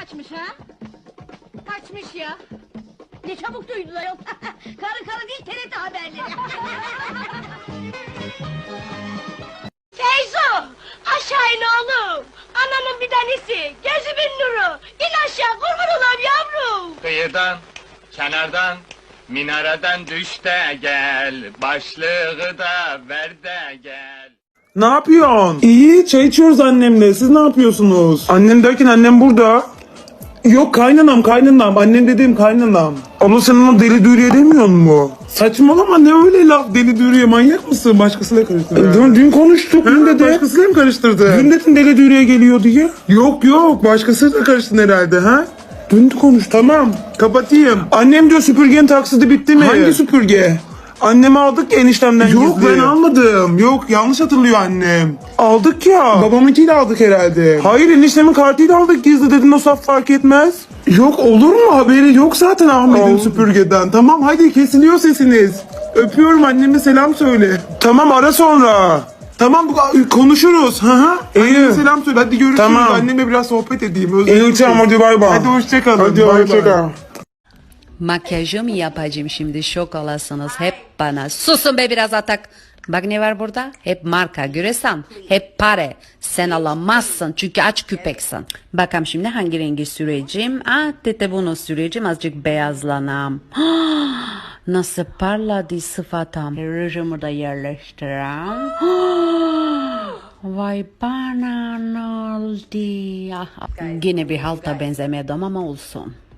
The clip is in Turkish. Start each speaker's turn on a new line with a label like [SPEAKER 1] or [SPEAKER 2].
[SPEAKER 1] kaçmış ha? Kaçmış ya. Ne çabuk duydular yok. Karı değil TRT haberleri. Feyzo! Aşağı in oğlum! Ananın bir tanesi! Gözümün nuru! İn aşağı kurban olayım yavrum!
[SPEAKER 2] Kıyıdan, kenardan, minareden düş de gel, başlığı da ver de gel.
[SPEAKER 3] Ne yapıyorsun? İyi, çay içiyoruz annemle. Siz ne yapıyorsunuz? Annem derken annem burada. Yok kaynanam. Annem dediğim kaynanam. Abla sen ona deli dürüye demiyor mu? Saçmalama ne öyle laf deli dürüye manyak mısın? Başkasıyla karıştırdın. Dün konuştuk. Dün dedi. Başkasıyla mı karıştırdın? Dün dedin deli dürüye geliyor diye. Yok başkasıyla karıştın herhalde ha? Dün konuş tamam. Kapatayım. Annem diyor süpürgenin taksidi bitti mi? Hangi süpürge? Annemi aldık ya eniştemden gizli. Yok ben almadım. Yok yanlış hatırlıyor annem. Aldık ya. Babamınkiyle aldık herhalde. Hayır eniştemin kartıyla aldık gizli dedin o saf fark etmez. Yok olur mu haberi yok zaten Ahmet'in süpürgeden. Tamam hadi kesiliyor sesiniz. Öpüyorum anneme selam söyle. Tamam ara sonra. Tamam konuşuruz. Anneme selam söyle hadi görüşürüz. Tamam. Annemle biraz sohbet edeyim. İyi tamam hadi bay bay. Hadi hoşçakalın. Hadi hoşçakalın.
[SPEAKER 4] Makyajımı yapacağım şimdi şok olasınız hep bana. Susun be biraz atak. Bak ne var burada? Hep marka göresen. Hep para. Sen alamazsın çünkü aç küpeksin. Bakalım şimdi hangi rengi süreceğim? Tete bunu süreceğim azıcık beyazlanam. Nasıl parladı sıfatım. Rujumu da yerleştireyim. Vay bana ne oldu? Yine bir halta benzemedim ama olsun.